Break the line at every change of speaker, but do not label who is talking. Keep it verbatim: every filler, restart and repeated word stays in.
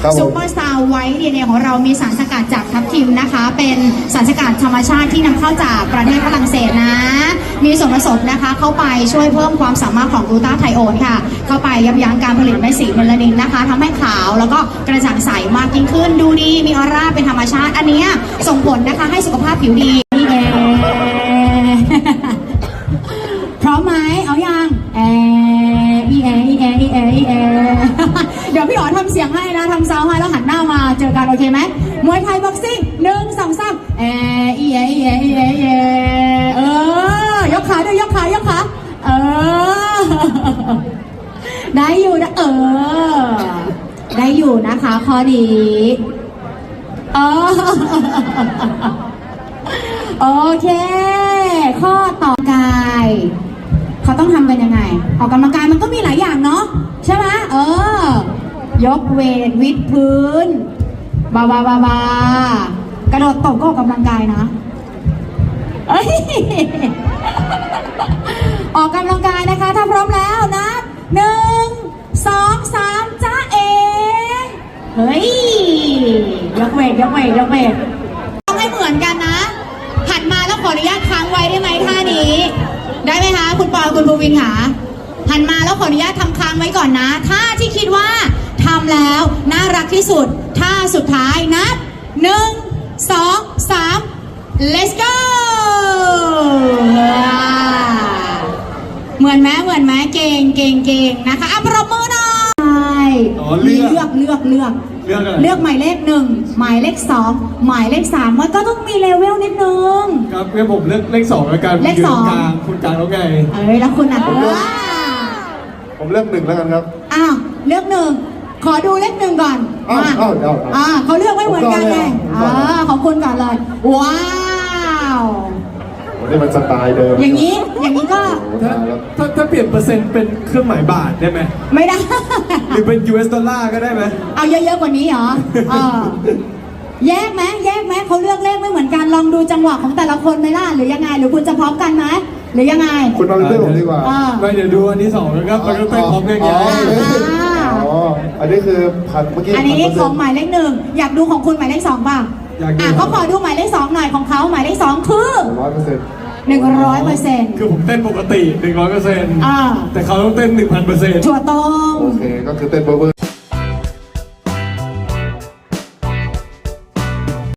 ซูเปอร์สตาร์ไวท์ดีเอ็นเอของเรามีสารสกัดจากทับทิมนะคะเป็นสารสกัดธรรมชาติที่นำเข้าจากประเทศฝรั่งเศสนะมีส่วนผสมนะคะเข้าไปช่วยเพิ่มความสามารถของกลูตาไทโอนค่ะเข้าไปยับยั้งการผลิตเม็ดสีเมลานินนะคะทำให้ขาวแล้วก็กระจ่างใสมากยิ่งขึ้นดูดีมีออร่าเป็นธรรมชาติอันนี้ส่งผลนะคะให้สุขภาพผิวดีนี่เองพร้อมไหมเอายังแออีแออีแออีแออีแอเดี๋ยวพี่อ๋อทำเสียงให้นะทำซาวให้แล้วหันหน้ามาเจอกันโอเคไหมมวยไทยบ็อกซิ่งหนึ่งสองสามแออีแออีแออีแออีแอเออยกขาด้วยยกขายกขาเออได้อยู่นะเออได้อยู่นะคะข้อนี้เออโอเคข้อต่อกายเขาต้องทำกันยังไงออกกำลังกายมันก็มีหลายอย่างเนาะใช่ไหมเออยกเวทวิดพื้นบาบาบาบากระโดดตบก็ออกกำลังกายนะเอ้ยออกกำลังกายนะคะถ้าพร้อมแล้วนะหนึ่งสองสามจ้าเอเฮ้ยยกเวทยกเวทยกเวทต้องให้เหมือนกันนะหันมาแล้วขออนุญาตค้างไว้ได้ไหมท่านี้ได้ไหมคะคุณปอคุณภูวินค่ะหันมาแล้วขออนุญาตทำค้างไว้ก่อนนะท่าที่คิดว่าทำแล้วน่ารักที่สุดท่าสุดท้ายนับหนึ่งสองสาม let's go เหมือนไหมเหมือนไหมเก่งเก่งเก่งนะคะอ่ะปรบมือหน่อยเลือกเลือกเลือกเลือกเลือกหมายเลขหนึ่งหมายเลขสองหมายเลขสามมันก็ต้องมีเลเวลนิดนึง
ครับงั้นผมเลือกเลขสองแล้วกัน
เลขสอง
กลางคุณกลางแล้วไง
เอ้ยแล้วคุณอ่ะ
ผมเลือกหนึ่งแล้วกันครับ
อ้าวเลือกหนึ่งขอดูเลขหนึ่งก่อน
อ้าวอ้าว
อ่าเขาเลือกไว้เหมือนกันไงอ่าของคุณก่อนเลยว้าว
วันนี้มันสไตล์เดิม
อย่างนี้อย่างนี้ก็
ถ้าถ้าถ้าเปลี่ยนเปอร์เซ็นต์เป็นเครื่องหมายบาทได้ไหม
ไม่ได้
หรือเป็น ยู เอส ดอลลาร์ก็ได้ไหม
เอาเยอะๆกว่านี้เหรอเออแยกไหมแยกไหมเขาเลือกเลขไม่เหมือนกันลองดูจังหวะของแต่ละคนไหมล่ะหรือยังไงหรือคุณจะพร้อมกันไหมหรือยังไง
คุณมาเป็นเพื่อนผมดีกว่า
ไม่เดี๋ยวดูอันที่สองแล้วก็มันก็เป็นพร้อมกันอย่าง
อ๋ออันนี้คือพันเมื่อกี้
อันนี้ของหมายเลขหนึ่งอยากดูของคุณหมายเลขสองป่ะอ่ะเขาขอดูหมายเลขสองหน่อยของเขาหมายเลขสองคือ
ร้อยเปอร์เซ็นต์
หนึ่งร้อยเปอร์เซ็นต์
คือผมเต้นปกติหนึ่งร้อยเปอร์เซ็นต์แต่เขาต้องเต้นหนึ่งพันเปอร์เซ็นต์
ถั่วต้ม
โอเคก็คือเต้นเบอร์